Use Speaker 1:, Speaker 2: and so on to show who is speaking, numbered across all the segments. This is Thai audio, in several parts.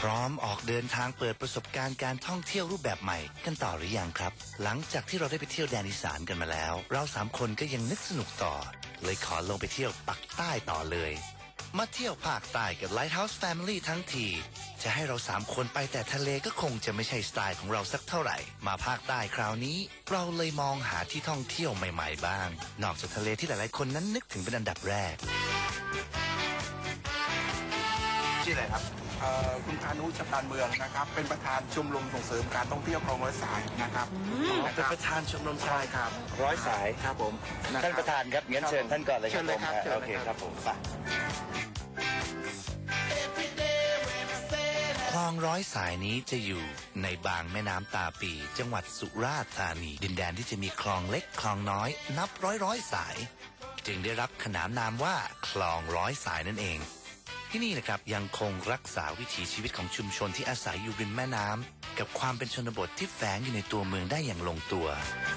Speaker 1: ร้อมออกเดินทางเปิดประสบการณ์การท่องเที่ยวรูปแบบใหม่กันต่อหรือยังครับหลังจากที่เราได้ไปเที่ยวแดนอีสานกันมาแล้วเรา3 คนก็ยังนึกสนุกต่อเลยขอลงไปเที่ยวปักใต้ต่อเลยมาเที่ยวภาคใต้กับ Lighthouse Family ทั้งทีจะให้เรา3 คนไปแต่ทะเลก็คงจะไม่ใช่สไตล์ของเราสักเท่าไหร่มาภาคใต้คราวนี้เราเลยมองหาที่ท่องเที่ยวใหม่ๆบ้างนอกจากทะเลที่หลายๆคนนั้นนึกถึงเป็นอันดับแรกชื่ออะไรครับ
Speaker 2: คุณพานุชัยการเมืองนะครับเป็นประธานชมรมส่งเสริมการท่องเที่ยวคลองร้อยสายนะครับ
Speaker 1: เป็นประธานชมรม
Speaker 2: ใช่ครับ
Speaker 1: ร้อยสาย
Speaker 2: ครับผม
Speaker 1: ท่านประธานครับงั้นเชิญท่านก่อนเลยครับผมโอเคครับผมไปคลองร้อยสายนี้จะอยู่ในบางแม่น้ำตาปีจังหวัดสุราษฎร์ธานีดินแดนที่จะมีคลองเล็กคลองน้อยนับร้อยสายจึงได้รับขนานนามว่าคลองร้อยสายนั่นเองที่นี่นะครับยังคงรักษาวิถีชีวิตของชุมชนที่อาศัยอยู่ริมแม่น้ำกับความเป็นชนบทที่แฝงอยู่ในตัวเมืองได้อย่างลงตัว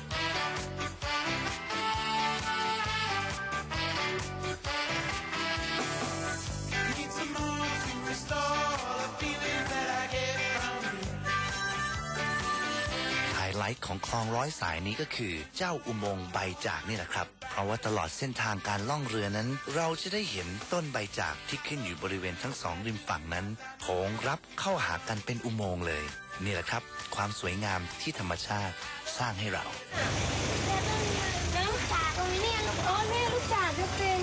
Speaker 1: ไฮไลท์ของคลองร้อยสายนี้ก็คือเจ้าอุโมงค์ใบจากนี่แหละครับเพราะว่าตลอดเส้นทางการล่องเรือนั้นเราจะได้เห็นต้นใบจากที่ขึ้นอยู่บริเวณทั้ง2 ริมฝั่งนั้นโผงรับเข้าหากันเป็นอุโมงค์เลยนี่แหละครับความสวยงามที่ธรรมชาติสร้างให้เรา
Speaker 3: ลูกจากตรงนี้เนี่ยอ๋อเนี่ยลูกจากจะเป็น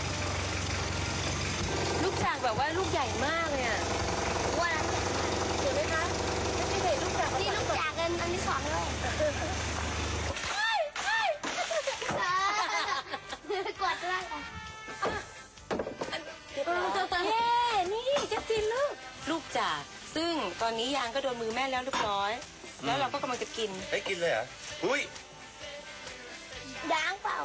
Speaker 3: ลูกจากแบบว่าลูกใหญ่มากเนี่ยว่าเห็นไหมคะไม่ใช่เห็นลูกจากที่ลูกจากกันอันที่2เลยกดด้วยเย้นี่จะฟินลูกจากซึ่งตอนนี้ยางก็โดนมือแม่แล้วเรียบร้อยแล้วเราก็กำลังจะกิน
Speaker 1: กินเลยเหรออุ้ย
Speaker 3: ด่างเปล่า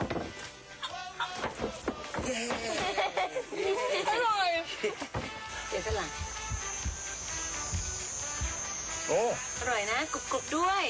Speaker 3: อร่อยเดี๋ยวสลัง
Speaker 1: โอ้
Speaker 3: อร่อยนะกรุบๆด้วย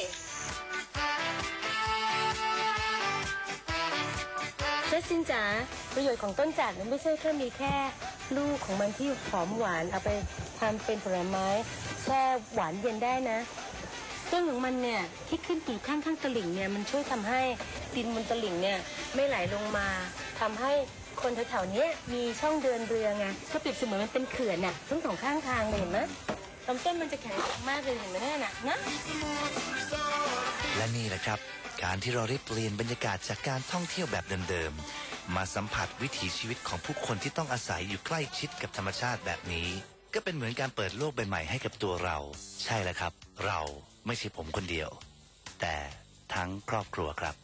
Speaker 3: เจ๊ซินจ๋าประโยชน์ของต้นจากนั้นไม่ใช่แค่มีแค่ลูกของมันที่หอมหวานเอาไปทำเป็นผลไม้แช่หวานเย็นได้นะต้นของมันเนี่ยที่ขึ้นอยู่ข้างตลิ่งเนี่ยมันช่วยทำให้ดินบนตลิ่งเนี่ยไม่ไหลลงมาทำให้คนแถวๆนี้มีช่องเดินเรือไงก็เปรียบเสมือนมันเป็นเขื่อนน่ะทั้ง2 ข้างทางเลยเห็นไหมลำต้นมันจะแข็งแรงมากเลยเห็นไหมเนี่ยนะ
Speaker 1: และนี่แหละครับการที่เราได้เปลี่ยนบรรยากาศจากการท่องเที่ยวแบบเดิมๆมาสัมผัสวิถีชีวิตของผู้คนที่ต้องอาศัยอยู่ใกล้ชิดกับธรรมชาติแบบนี้ก็เป็นเหมือนการเปิดโลกใบใหม่ให้กับตัวเราใช่แล้วครับเราไม่ใช่ผมคนเดียวแต่ทั้งครอบครัวครับ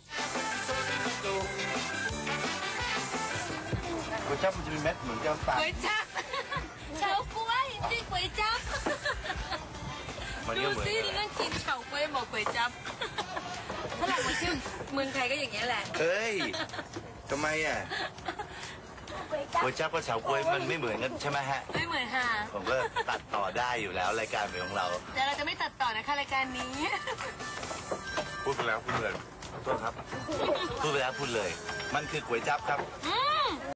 Speaker 2: ก๋วยจั๊บมันจะมีเม็ดเหมือนแก้วตา
Speaker 3: ก๋วยจั๊บเฉาก๊วยจริงก๋วยจั๊บดูสินั่งกินเฉาก๊วยบอกก๋วยจั๊บถ้าหลังมาเที่ยวเมืองไทยก็อย่างเงี้ยแหละ
Speaker 1: เฮ้ยทำไมอ่ะก๋วยจั๊บกับเฉาก๊วยมันไม่เหมือนกันใช่ไหมฮะ
Speaker 3: ไม่เหมือนค่ะ
Speaker 1: ผมก็ตัดต่อได้อยู่แล้วรายการของเรา
Speaker 3: แต่เราจะไม่ตัดต่อนะคะรายการนี้
Speaker 2: พูดไปแล้วพูดเลย
Speaker 1: โทษครับพูดไปแล้วพูดเลยมันคือก๋วยจั๊บครับ